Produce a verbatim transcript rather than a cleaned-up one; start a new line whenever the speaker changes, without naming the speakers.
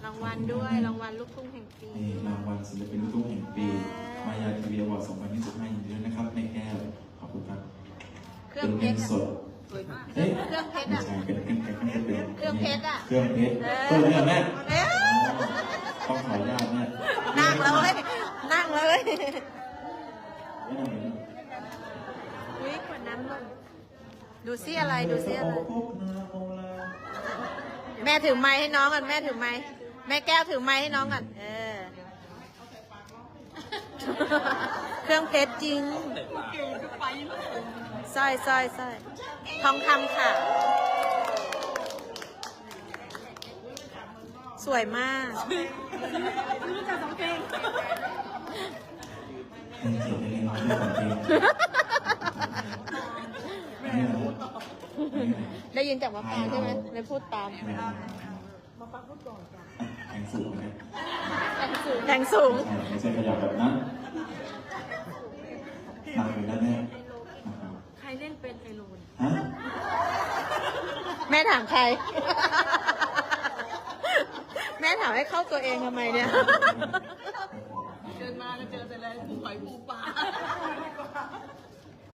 รางวัลด้วยรางวัลลูกทุ่งแห่งปี
นี่รางวัลศิลปินลูกทุ่งแห่งปีมายาทีวีอวอร์ดสองพันยี่สิบห้ายินดีด้วยนะครับในแก้วขอบคุณครับ
เครื่องเพชร
สด
สวยมากเค
เฮ้ย
รื่องเพชร
ไม่
อ่ะ
ใช่เป็นเครื่องเพชรไม่ใช่เป็น
เครื่องเพชรอะ
เครื่องเพชรเออเนี่ยแม่ต้องขออนุญาตแม่
นั่งเลยนั่งเลย
ไม่นั่งเลย
อุ้ยขวดน้ำลงดูซิอะไรดูซิอะไรแม่ถือไม้ให้น้องกันแม่ถือไม้แม่แก้วถือไม้ให้น้องกันเออเครื่องเพชรจริงสร้อยสร้อยสร้อยทองคำค่ะสวยมากรู้จักสองเพลง
เพลงเสียงเพลงร้องด้วยของเพลง
ได้ยินจากมะปรางใช่ไหมเลยพูดตาม
มาฟังพูดก่อนจ้ะแข่งสูงนะ
แข่งสูงแข่งสูง
ใช่ไม่ใช่ขยับแบบนั้นนั่งอยู่ด้านแน่
ใครเล่นเป็นไอโรน
ฮะ
แม่ถามใคร แม่ถามให้เข้าตัวเองทำไมเนี่ยเดินมาก็เจอแต่อะไรผู้หอยผู้ปลา